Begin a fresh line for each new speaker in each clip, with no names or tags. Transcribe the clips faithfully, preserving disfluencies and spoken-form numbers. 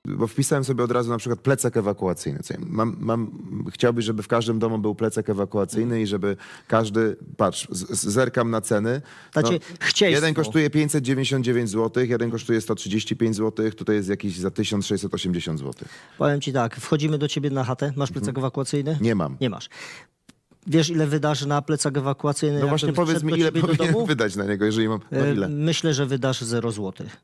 Bo wpisałem sobie od razu na przykład plecak ewakuacyjny. Co ja mam, mam, chciałbyś, żeby w każdym domu był plecak ewakuacyjny i żeby każdy, patrz, z, z, zerkam na ceny.
Znaczy, chcieństwo.
Jeden kosztuje pięćset dziewięćdziesiąt dziewięć złotych, jeden kosztuje sto trzydzieści pięć złotych, tutaj jest jakiś za tysiąc sześćset osiemdziesiąt złotych.
Powiem ci tak, wchodzimy do ciebie na chatę, masz plecak
Mhm.
ewakuacyjny?
Nie mam.
Nie masz. Wiesz, ile wydasz na plecak ewakuacyjny?
No właśnie
jakbym
powiedz
wszedł
mi,
do
ile
ciebie do
powinien
domu?
wydać na niego, jeżeli mam, no
E,
ile?
Myślę, że wydasz zero złotych.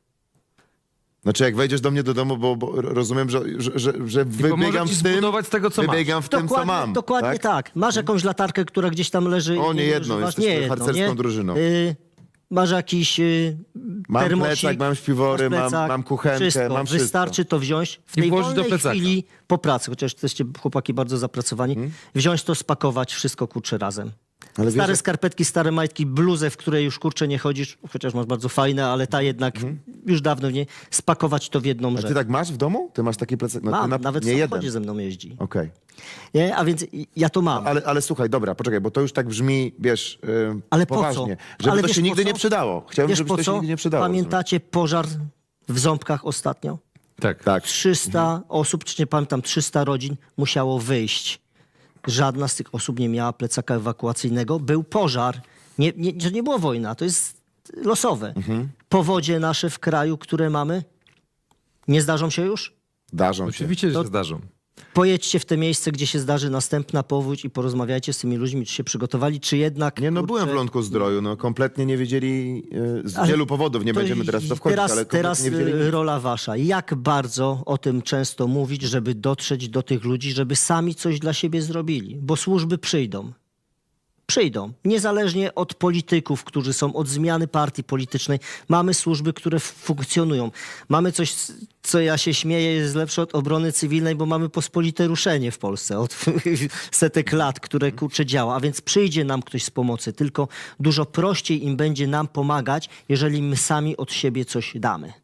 Znaczy jak wejdziesz do mnie do domu, bo, bo rozumiem, że, że, że, że
pomoże
wybiegam
ci
w tym,
zbudować z tego, co masz.
wybiegam w tym, co
Dokładnie,
mam.
dokładnie tak? Masz jakąś latarkę, która gdzieś tam leży.
O,
i
nie jedną,
używasz?
jesteśmy
nie jedną,
harcerską
nie?
drużyną.
Y, masz jakiś y,
Mam
termosik,
plecak, mam śpiwory,
masz
mam,
plecak,
mam kuchenkę,
wszystko.
mam wszystko.
Wystarczy to wziąć w
I
tej
włożyć do
wolnej
plecaka.
chwili po pracy, chociaż jesteście chłopaki bardzo zapracowani,
Hmm?
wziąć to, spakować, wszystko kurczę razem.
Ale wiesz,
Stare
jak-
skarpetki, stare majtki, bluzę, w której już kurczę nie chodzisz, chociaż masz bardzo fajne, ale ta jednak już dawno nie, spakować to w jedną
Mhm. A
rzecz.
ty tak masz w domu? Ty masz taki plecak? No, ty
Mam,
na,
nawet w
nie
samochodzie
jeden.
ze mną jeździ.
Okej.
Nie? A więc ja to mam.
Ale, ale słuchaj, dobra, poczekaj, bo to już tak brzmi, wiesz, yy,
Ale po co?
poważnie. Żeby
Ale
to
wiesz
się
po
nigdy
co?
nie przydało. Chciałbym,
Wiesz
żeby
po
to się
co?
nigdy nie przydało.
Pamiętacie pożar w Ząbkach ostatnio?
Tak.
Tak.
trzysta osób, czy nie pamiętam, trzysta rodzin musiało wyjść. Żadna z tych osób nie miała plecaka ewakuacyjnego. Był pożar. Nie, nie, to nie była wojna, to jest losowe.
Mhm.
Powodzie nasze w kraju, które mamy, nie zdarzą się już?
Darzą się.
Oczywiście, że
To-
się zdarzą.
Pojedźcie w te miejsce, gdzie się zdarzy następna powódź i porozmawiajcie z tymi ludźmi, czy się przygotowali, czy jednak...
Nie, no
kurczę,
byłem w Lądku Zdroju, no kompletnie nie wiedzieli, yy, z
Ale
wielu powodów, nie
to
będziemy teraz w to wchodzić,
teraz,
ale kompletnie
teraz
nie wiedzieli
y,
nic.
rola wasza. Jak bardzo o tym często mówić, żeby dotrzeć do tych ludzi, żeby sami coś dla siebie zrobili, bo służby przyjdą. Przyjdą. Niezależnie od polityków, którzy są, od zmiany partii politycznej. Mamy służby, które f- funkcjonują. Mamy coś, co ja się śmieję, jest lepsze od obrony cywilnej, bo mamy pospolite ruszenie w Polsce od setek lat, które kurczę działa. A więc przyjdzie nam ktoś z pomocy, tylko dużo prościej im będzie nam pomagać, jeżeli my sami od siebie coś damy.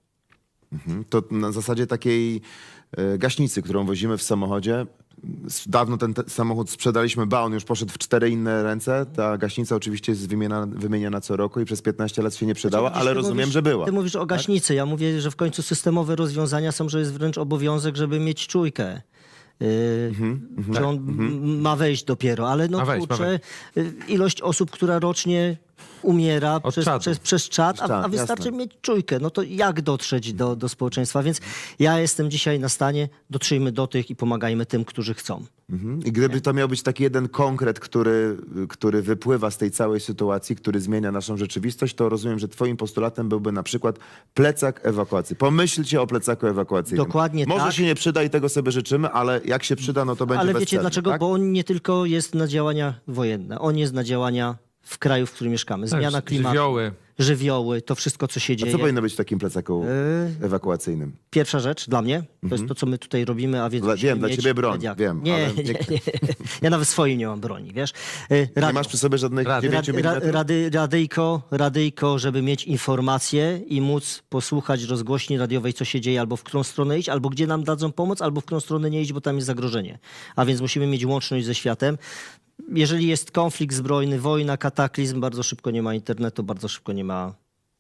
To na zasadzie takiej e, gaśnicy, którą wozimy w samochodzie. S- Dawno ten te samochód sprzedaliśmy, ba, on już poszedł w cztery inne ręce. Ta gaśnica oczywiście jest wymieniana, wymieniana co roku i przez piętnaście lat się nie przydała,
Widzisz,
ale
ty
rozumiem,
mówisz,
że była.
Ty mówisz o gaśnicy. Ja mówię, że w końcu systemowe rozwiązania są, że jest wręcz obowiązek, żeby mieć czujkę. Yy,
Mhm,
że on m- ma wejść dopiero, ale no
Ma wejść, ma
kurczę, y, ilość osób, która rocznie umiera
Od
przez,
czadu.
przez, przez czat,
Przez
a,
czat,
a wystarczy
jasne.
mieć czujkę. No to jak dotrzeć do, do społeczeństwa? Więc ja jestem dzisiaj na stanie, dotrzyjmy do tych i pomagajmy tym, którzy chcą.
Mhm. I gdyby to miał być taki jeden konkret, który, który wypływa z tej całej sytuacji, który zmienia naszą rzeczywistość, to rozumiem, że twoim postulatem byłby na przykład plecak ewakuacji. Pomyślcie o plecaku ewakuacyjnym.
Dokładnie
Może
tak.
się nie przyda i tego sobie życzymy, ale jak się przyda, no to będzie
Ale wiecie
bezcenny,
dlaczego?
tak?
Bo on nie tylko jest na działania wojenne, on jest na działania w kraju, w którym mieszkamy. Zmiana
Tak,
klimatu,
żywioły.
żywioły, to wszystko, co się
A
dzieje.
co powinno być w takim plecaku
Yy,
ewakuacyjnym?
Pierwsza rzecz dla mnie, to jest to, co my tutaj robimy, a więc
Dla-
musimy
wiem, dla
mieć
ciebie broń,
mediak.
wiem,
Nie,
ale
nie,
nie-
nie, ja nawet swojej nie mam broni, wiesz. Yy,
Nie
radio.
masz przy sobie żadnych
Rad-
dziewięciu
Rad, ra,
milimetrów?
rady, radyjko, radyjko, żeby mieć informacje i móc posłuchać rozgłośni radiowej, co się dzieje, albo w którą stronę iść, albo gdzie nam dadzą pomoc, albo w którą stronę nie iść, bo tam jest zagrożenie. A więc musimy mieć łączność ze światem. Jeżeli jest konflikt zbrojny, wojna, kataklizm, bardzo szybko nie ma internetu, bardzo szybko nie ma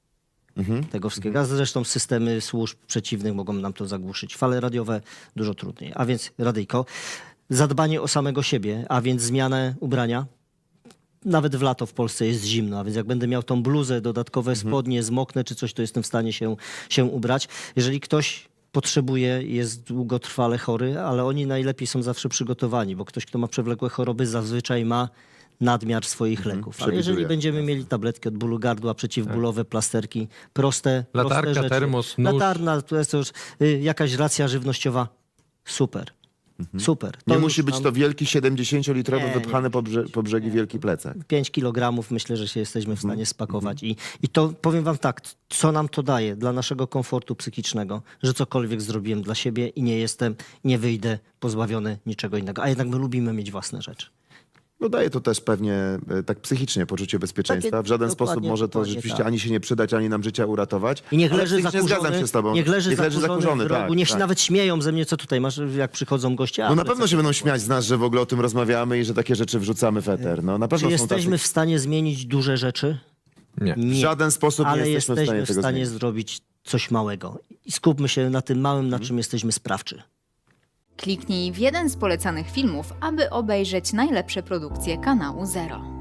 tego wszystkiego. A zresztą systemy służb przeciwnych mogą nam to zagłuszyć. Fale radiowe dużo trudniej. A więc radyjko. Zadbanie o samego siebie, a więc zmianę ubrania. Nawet w lato w Polsce jest zimno, a więc jak będę miał tą bluzę, dodatkowe spodnie, zmoknę czy coś, to jestem w stanie się, się ubrać. Jeżeli ktoś potrzebuje, jest długotrwale chory, ale oni najlepiej są zawsze przygotowani, bo ktoś, kto ma przewlekłe choroby, zazwyczaj ma nadmiar swoich leków. Ale jeżeli
przewiduje,
będziemy mieli tabletki od bólu gardła, przeciwbólowe, plasterki, proste,
Latarka,
proste rzeczy.
termos, nóż.
Latarna, to jest już y, jakaś racja żywnościowa. Super. Super. To
Nie
już
musi być
nam-
to wielki siedemdziesięciolitrowy
Nie, nie
wypchany po, brze po brzegi wielki plecak.
pięć kilogramów myślę, że się jesteśmy w
Mhm.
stanie spakować. I, I to powiem wam tak, co nam to daje dla naszego komfortu psychicznego, że cokolwiek zrobiłem dla siebie i nie jestem, nie wyjdę pozbawiony niczego innego. A jednak my lubimy mieć własne rzeczy.
No daje to też pewnie e, tak psychicznie poczucie bezpieczeństwa.
Takie-
W żaden
dokładnie,
sposób może to
dokładnie
rzeczywiście
tak.
ani się nie przydać, ani nam życia uratować.
I niech
ale
leży
psychicznie
zakurzony,
zgadzam się z tobą.
niech leży, zakurzony,
zakurzony,
w rogu,
tak,
niech się
tak.
nawet śmieją ze mnie, co tutaj masz, jak przychodzą goście.
No
a
na
plecak-
pewno się będą śmiać z nas, że w ogóle o tym rozmawiamy i że takie rzeczy wrzucamy w eter. No na
Czy
pewno są
jesteśmy
tacy...
w stanie zmienić duże rzeczy?
Nie.
W żaden sposób
ale
nie jesteśmy w
jesteśmy
stanie
w
tego
stanie
zmienić.
zrobić coś małego. i skupmy się na tym małym, na czym jesteśmy sprawczy.
Kliknij w jeden z polecanych filmów, aby obejrzeć najlepsze produkcje kanału Zero.